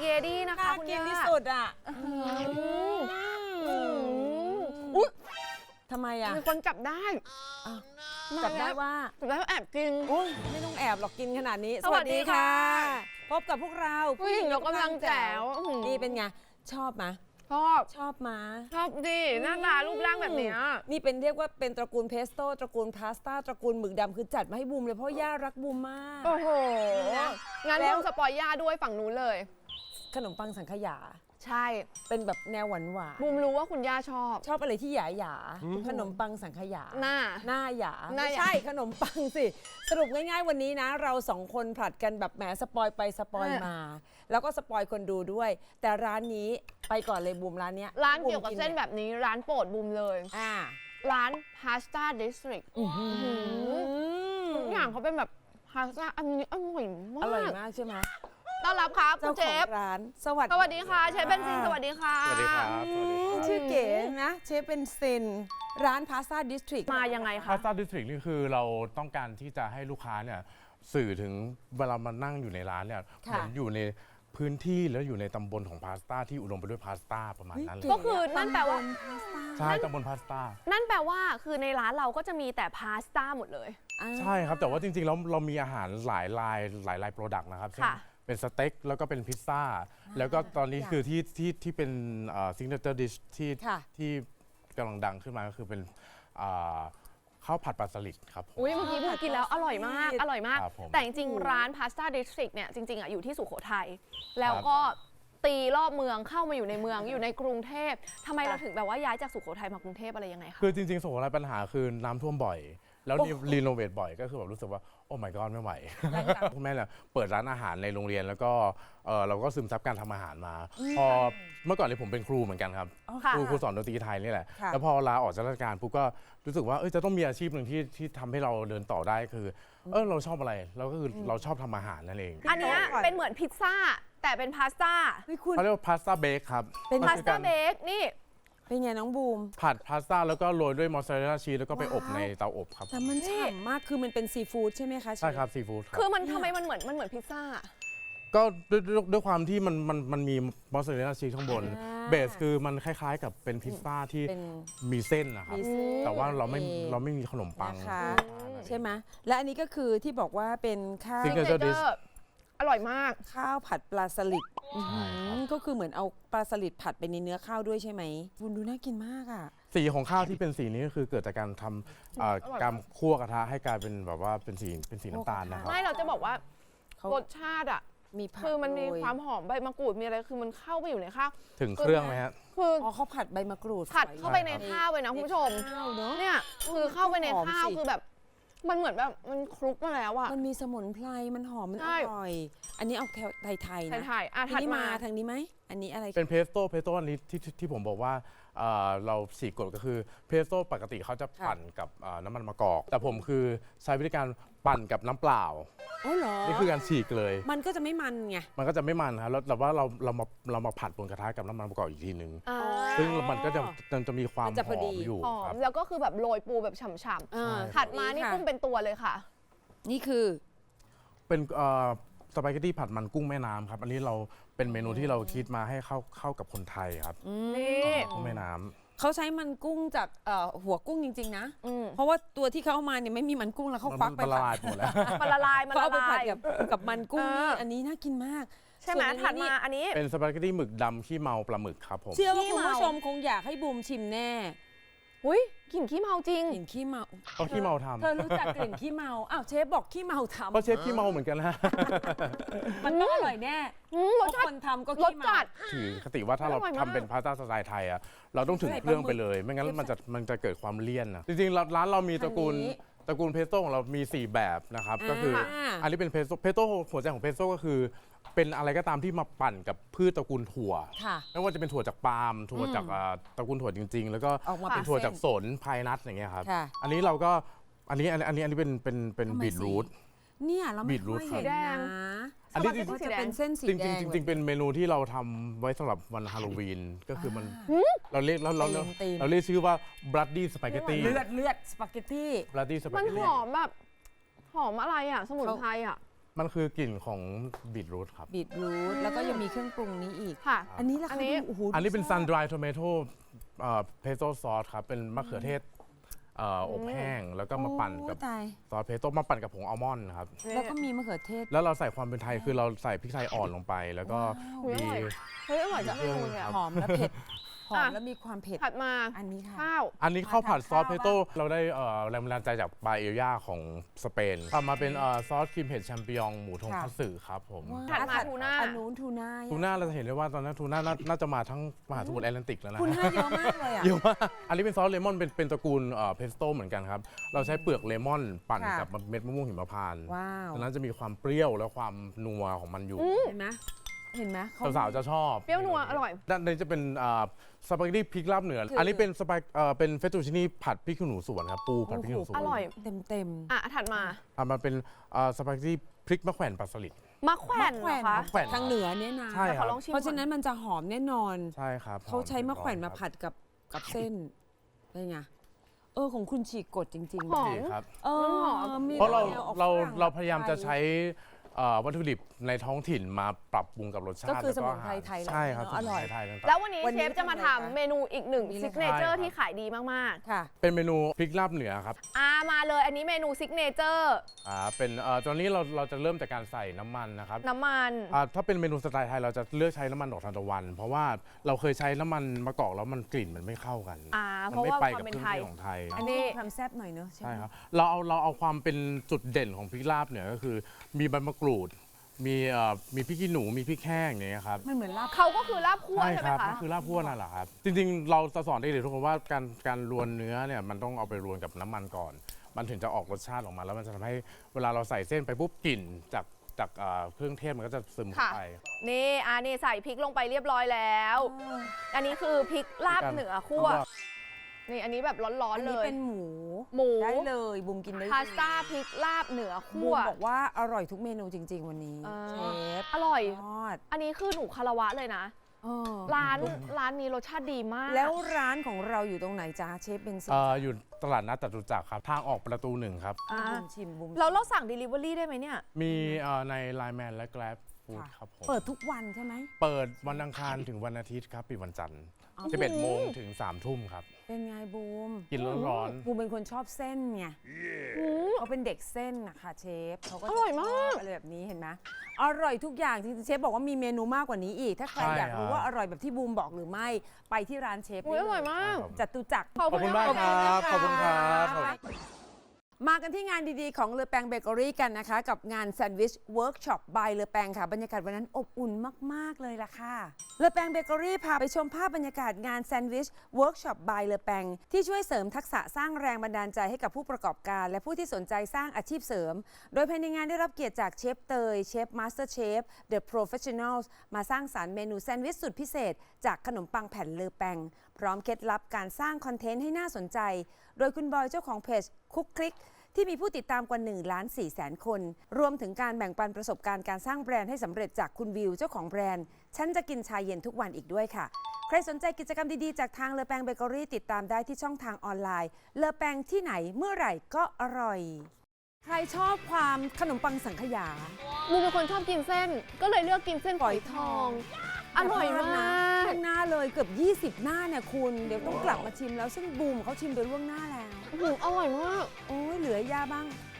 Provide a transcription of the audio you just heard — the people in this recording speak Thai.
เกดี้นะคะคุณกินย่าที่สุดอ่ะอุ๊ยทำไมอ่ะมีคนจับได้จับได้ว่าจับได้ว่าแอบกินโอ้ยไม่ต้องแอบหรอกกินขนาดนี้สวัสดีค่ะพบกับพวกเราผู้หญิงยกกำลังแจ๋วนี่เป็นไงชอบไหมชอบชอบมาชอบดิหน้าตารูปร่างแบบเนี้ยนี่เป็นเรียกว่าเป็นตระกูลเพสโต้ตระกูลพาสต้าตระกูลหมึกดำคือจัดมาให้บูมเลยเพราะย่ารักบูมมากโอ้โหนะงั้นแล้วบูมสปอยย่าด้วยฝั่งนู้นเลยขนมปังสังขยาใช่เป็นแบบแนวหวานหวานบูมรู้ว่าคุณย่าชอบชอบอะไรที่หยาหยาขนมปังสังขยาหน้าหน้าหยาหน้าไม่หยาใช่ขนมปังสิ สรุปง่ายๆวันนี้นะ เราสองคนผลัดกันแบบแหมสปอยไปสปอยมา แล้วก็สปอยคนดูด้วย แต่ร้านนี้ไปก่อนเลยบูมร้านเนี้ยร้านบูมเกี่ยวกับเส้นแบบนี้ร้านโปรดบูมเลยอ่าร้าน Pasta District ทุกอย่างเขาเป็นแบบพาสต้าอันนี้อร่อยมากอร่อยมากใช่ไหมต้อนรับครับคุเจ้าณเชของฟร้านสวัสดีสวัสดีค่ะเชฟเบนซินสวัสดีค่ะสวัสดีครับชื่อเก๋นะเชฟเป็นเซนร้านพาสต้าดิสทริกมายังไงพาคะสต้าดิสทริกนี่คือเราต้องการที่จะให้ลูกค้าเนี่ยสื่อถึงเวลามานั่งอยู่ในร้านเนี่ยเหมือนอยู่ในพื้นที่แล้วอยู่ในตำบลของพาสต้าที่อุดมไปด้วยพาสต้าประมาณนั้นเลยก็คือนั่นแปลว่าใช่ตำบลพาสต้านั่นแปลว่าคือในร้านเราก็จะมีแต่พาสต้าหมดเลยใช่ครับแต่ว่าจริงๆแล้วเรามีอาหารหลายลายโปรดักต์นะครับเช่นค่ะเป็นสเต็กแล้วก็เป็นพิซซ่าแล้วก็ตอนนี้คือที่เป็นซิกเนเจอร์ดิชที่กำลังดังขึ้นมาก็คือเป็นข้าวผัดปลาสลิดครับผมอุ้ยเมื่อกี้บูมกินแล้วอร่อยมากอร่อยมากครับผมแต่จริงๆร้าน Pasta District เนี่ยจริงๆอ่ะอยู่ที่สุโขทัยแล้วก็ตีรอบเมืองเข้ามาอยู่ในเมืองอยู่ในกรุงเทพทำไมเราถึงแบบว่าย้ายจากสุโขทัยมากรุงเทพอะไรยังไงคะคือจริงๆสุโขทัยปัญหาคือน้ำท่วมบ่อย แล้วรีโนเวทบ่อยก็คือแบบรู้สึกว่าโอ้ my god ไม่ไหว คุณแม่เนี่ยเปิดร้านอาหารในโรงเรียนแล้วก็เราก็ซึมซับการทำอาหารมา พอเมื่อก่อนเนี่ยผมเป็นครูเหมือนกันครับค่ะครูสอนดนตรีไทยนี่แหละค่ะแล้วพอลาออกจากราชการปุ๊บก็รู้สึกว่าจะต้องมีอาชีพหนึ่งที่ทำให้เราเดินต่อได้คือเราชอบอะไรเราก็คือเราชอบทำอาหารนั่นเองอันเนี้ยเป็นเหมือนพิซซ่าแต่เป็นพาสต้าเฮ้ยคุณเขาเรียกว่าพาสต้าเบคครับเป็นมัพาสคือต้ากรเบคนี่เป็นไงน้องบูมผัดพาสต้าแล้วก็โรยด้วยมอสซาเรลล่าชีสแล้วก็ไปอบว้าวในเตาอบครับแต่มันฉ่ำมากคือมันเป็นซีฟู้ดใช่ไหมคะเชฟใช่ครับซีฟู้ดครับคือมันทำไมมันเหมือนพิซซ่าก็ด้วยความที่มันมีมอสซาเรลล่าชีสข้างบน เบสคือมันคล้ายๆกับเป็นพิซซ่าที่เป็นมีเส้นนะครับมีเส้นแต่ว่าเราโอเคไม่มีขนมปังนะคะ ใช่ไหมและอันนี้ก็คือที่บอกว่าเป็นข้าว Signature dish อร่อยมากข้าวผัดปลาสลิดใช่ครับก็คือเหมือนเอาปลาสลิดผัดไปในเนื้อข้าวด้วยใช่ไหมคุณดูน่ากินมากอ่ะสีของข้าวที่เป็นสีนี้ก็คือเกิดจากการทำการคั่วกระทะให้กลายเป็นแบบว่าเป็นสีน้ำตาลนะครับไม่เราจะบอกว่าเขารสชาติอ่ะมีผักคือมันมีโรยความหอมใบมะกรูดมีอะไรคือมันเข้าไปอยู่ในข้าวถึงเครื่องไหมฮะคืออ๋อเขาผัดใบมะกรูดผัดฝอยเข้าไปในข้าวเลยนะคุณผู้ชมข้าวเนอะเนี่ยคือเข้าไปในหอมข้าวสิคือแบบ มันเหมือนแบบมันคลุกมาแล้วอ่ะมันมีสมุนไพรมันหอมมันใช่อร่อย อันนี้เอาแถวไทยๆนะถ่ายๆอ่ะทีถัดนี้มามาทางนี้ไหมอันนี้อะไรเป็นเพสโต้อันนี้ที่ผมบอกว่าเราฉีกกฎก็คือเพสโต้ปกติเขาจะปั่นกับน้ำมันมะกอก แต่ผมคือใช้วิธีการปั่นกับน้ำเปล่าอ๋อเหรอนี่คือการฉีกเลยมันก็จะไม่มันไงมันก็จะไม่มันครับแล้วแต่ว่าเรามาผัดบนกระทะกับน้ำมันมะกอกอีกทีนึงอ่าซึ่งมันก็จะมีความมันจะหพออดีมอยู่หอครัมบแล้วก็คือแบบโรยปูแบบฉ่ำอ่าๆถัดมานี่ค่ะกุ้งเป็นตัวเลยค่ะนี่คือเป็นสปาเกตตี้ผัดมันกุ้งแม่น้ำครับ อันนี้เราเป็นเมนูที่เราคิดมาให้เข้ากับคนไทยครับนี่กุ้งแม่น้ำเขาใช้มันกุ้งจากหัวกุ้งจริง ๆ นะอืมเพราะว่าตัวที่เขาเอามาเนี่ยไม่มีมันกุ้งแล้วเขาควักไปมันละลายไปหมดแล้วมันละลายมันเขาละเอาไปลาผัดยกับมันกุ้งนี่เอออัอันนี้น่ากินมากใช่ไหมส่วนถัดนี้มาอันนี้เป็นสปาเกตตี้หมึกดำขี้เมาปลาหมึกครับผมเชื่อว่าขี้คุณเมาผู้ชมคงอยากให้บูมชิมแน่อุ้ยกลิ่นขี้เมาจริงกลิ่นขี้เมาเขาขี้เมาทำเธอรู้จักกลิ่นขี้เมาอ้าวเชฟบอกขี้เมาทำเพราะเชฟขี้เมาเหมือนกันนะมันต้องอร่อยแน่รสเพชาราะคตินทำก็รขี้สเมาจัดถือคติว่าถ้าเราอร่อยมากทำเป็นพาสต้าสไตล์ไทยอะเราต้องถึงเครื่องไปเลย ไม่งั้นมันจะเกิดความเลี่ยนนะจริงๆร้านเรามีตระกูลเพสโต้ของเรามี 4 แบบนะครับ ก็คืออันนี้เป็นเพสโต้หัวใจของเพสโต้ก็คือ เป็นอะไรก็ตามที่มาปั่นกับพืชตระกูลถั่วค่ะไม่ว่าจะเป็นถั่วจากปาล์มถั่วจากตระกูลถั่วจริง ๆ แล้วก็ออกมาเป็เป็น นถั่วเส้นจากสนพายนัทอย่างเงี้ยครับค่ะอันนี้เราก็อันนี้เป็นทำไมบีทรูทเนี่ยเราไม่บีทรูค่ทอยเห็นสีแดงนะอันนี้ก็จะเป็นเส้นสีจริงแดงๆจริงๆเป็นเมนูที่เราทำไว้สำหรับวันฮาโลวีนก็คือมันเราเรียกเราเรียกชื่อว่า bloody spaghetti เลือดสปาเกตตี้ bloody มัน spaghetti หอมแบบหอมอะไรอ่ะ สมุนไพรอ่ะมันคือกลิ่นของบีทรูทครับบีทรูทแล้วก็ยังมีเครื่องปรุงนี้อีกค่ะอันนี้ล่ะอัคะนนี้ดูโอ้โหอันนี้เป็นดู sun dry tomato pesto sauce ครับ เป็นมะเขือเทศอบแห้ง แล้วก็มาปั่นกับโอ้ตายซอสเพสโต้มาปั่นกับผงอัลมอนด์ครับแล้วก็มีมะเขือเทศแล้วเราใส่ความเป็นไทยคือเราใส่พริกไทยอ่อนลงไป แล้วก็ว้าวมีเฮ้ยอร่อยจังเลยอะหอมและเผ็ด หอมอ่ะและมีความเผ็ดถัดมาอันนี้ค่ะข้าวอันนี้ข้าวผัดซอสข้าวเพสโต้เราได้แรงบันดาลใจจากปลาเอลย่าของสเปนทำมาเป็นซอสครีมเห็ดแชมปิญองหมูทงคัตสึครับผมถัดมาทูน่าอันนู้นทูน่าทูน่าเราจะเห็นได้ว่าตอนนั้นทูน่าน่าจะมาทั้งมหาสมุทรแอตแลนติกแล้วนะทูน่าเยอะมากเลยอ่ะเยอะมากอันนี้เป็นซอสเลมอนเป็นตระกูลเพสโต้เหมือนกันครับ เราใช้เปลือกเลมอนปั่นค่ะกับเม็ดมะม่วงหิมพานต์ว้าวดังนั้นจะมีความเปรี้ยวและความนัวของมันอยู่เห็นไหมเห็นไหมเขสาวๆจะชอบเปรี้ยวนัวอร่อยด้านในจะเป็นสปาเกตตี้พริกลาบเหนือคืออัอันนี้เป็นเป็นเฟตตูชินี่ผัดพริกขี้หนูสวนครับ ปูผัดพริกขี้หนูสวนอร่อยเต็มอ่ะถัดมามันเป็นสปาเกตตี้พริกมะแขวนปลาสลิดมะแขวนเหรอคะมะแขวนทางเหนือเนี่ยนะใช่แต่คขอรับลองชิมเพราะฉะนั้นก่อมันจะหอมแน่นอนใช่ครับเขาใช้มะแขวนมาครับผัดกับเส้นเป็นไงของคุณฉีกกดจริงหอมดีครับเออมีเพราะเราแนวออกเราฝงเราพยายามจะใช้วัตถุดิบในท้องถิ่นมาปรับปรุงกับรสชาติก็คือแล้วสมุนไพรอาหาไทยใช่ครับอร่อยสมุนไพรไทยต่างๆแล้ววันนี้วันเชนี้ฟจะมาทำอะไรทำคะเมนูอีกหนึ่งนี่เลยซิกเนเจอร์ค่ะที่ขายดีมากค่ะเป็นเมนูพริกลาบเหนือครับๆมาเลยอันนี้เมนูซิกเนเจอร์เป็นตอนนี้เราจะเริ่มจากการใส่น้ำมันนะครับน้ำมันถ้าเป็นเมนูสไตล์ไทยเราจะเลือกใช้น้ำมันดอกทานตะวัน เพราะว่าเราเคยใช้น้ำมันมะกอกแล้วมันกลิ่นมันไม่เข้ากันเพมันราะไม่ว่าไปควากับมเคเป็นรื่องไทยเทศของไทยอันนี้ความแซ่บหน่อยเนอะใช่ไหมใช่ครับเราเอาความเป็นจุดเด่นของพริกลาบเหนือก็คือ มีใบมะกรูด มีพริกขี้หนูมีพริกแห้งอย่างเงี้ยครับมันเหมือนลาบเขาก็คือลาบคั่วใช่ไหมครับคะก็คือลาบพวนั่นแหละครับ จริงๆ เราจะสอนเด็กๆทุกคนว่าการรวนเนื้อเนี่ยมันต้องเอาไปรวนกับน้ำมันก่อน มันถึงจะออกรสชาติออกมา แล้วมันจะทำให้เวลาเราใส่เส้นไปปุ๊บกลิ่นจากเครื่องเทศมันก็จะซึมเข้าไปนี่ใส่พริกลงไปเรียบร้อยแล้ว อันนี้คือพริกลาบเหนือคั่ว นี่อันนี้แบบร้ออันนๆเลนี้ยเป็นหมูหมูได้เลยบุมกินได้เลยพาสต้าพริกลาบเหนือบูคั่วมบอกว่าอร่อยทุกเมนูจริง ๆ วันนี้เออเชฟอร่อยยอดอันนี้คือหนูคารวะเลยนะเออร้านนี้รสชาติดีมากแล้วร้านของเราอยู่ตรงไหนจ้าเชฟเบนซินอยู่ตลาดนัดจตุจักรครับ ทางออกประตู 1 ครับอ่าบุมชิมบุมเราสั่ง Delivery ได้ไหมเนี่ยมีใน Line Man และ Grab Food ค่ะครับผมเปิดทุกวันใช่ไหมเปิดวันอังคารถึงวันอาทิตย์ครับปิดวันจันทร์อ๋อ 11 โมงถึง 3 ทุ่มครับเป็นไงบูมกินร้อนบูมเป็นคนชอบเส้นไงเขาเป็นเด็กเส้นนะคะเชฟเขาก็อร่อยมากชบอะไรแบบนี้เห็นไหมอร่อยทุกอย่างจริงๆเชฟบอกว่ามีเมนูมากกว่านี้อีก ถ้าใครอยากรู้ว่าอร่อยแบบที่บูมบอกหรือไม่ไปที่ร้านเชฟอุ๊ยอร่อยได้เลมากครับจตุจักรๆ ขอบคุณมากครับ ขอบคุณครับมากันที่งานดีๆของเลอแปงเบเกอรี่กันนะคะ กับงานแซนด์วิชเวิร์กช็อปบายเลอแปงค่ะ บรรยากาศวันนั้นอบอุ่นมาก ๆ เลยล่ะค่ะเลอแปงเบเกอรี่พาไปชมภาพบรรยากาศงานแซนด์วิชเวิร์กช็อปบายเลอแปงที่ช่วยเสริมทักษะสร้างแรงบันดาลใจให้กับผู้ประกอบการ และผู้ที่สนใจสร้างอาชีพเสริม โดยภายในงานได้รับเกียรติจากเชฟเตยเชฟมาสเตอร์เชฟเดอะโปรเฟชชั่นอลมาสร้างสรรค์เมนูแซนด์วิชสุดพิเศษจากขนมปังแผ่นเลอแปงพร้อมเคล็ดลับการสร้างคอนเทนต์ให้น่าสนใจ โดยคุณบอยเจ้าของเพจคุกคลิกที่มีผู้ติดตามกว่า1,400,000 คน รวมถึงการแบ่งปันประสบการณ์การสร้างแบรนด์ให้สำเร็จจากคุณวิวเจ้าของแบรนด์ฉันจะกินชาเย็นทุกวันอีกด้วยค่ะ ใครสนใจกิจกรรมดีๆจากทางเลอแปงเบเกอรี่ติดตามได้ที่ช่องทางออนไลน์เลอแปงที่ไหนเมื่อไหร่ก็อร่อย ใครชอบความขนมปังสังขยาบูมเป็นคนชอบกินเส้น ก็เลยเลือกกินเส้นฝอยทอง อร่อยมากล่วงหน้าเลยเกือบ20 หน้าเนี่ยคุณเดี๋ยวต้องกลับมาชิมแล้วซึ่งบูมเขาชิมโดยล่วงหน้าแล้วอร่อยมากโอ้ยเหลือยาบ้าง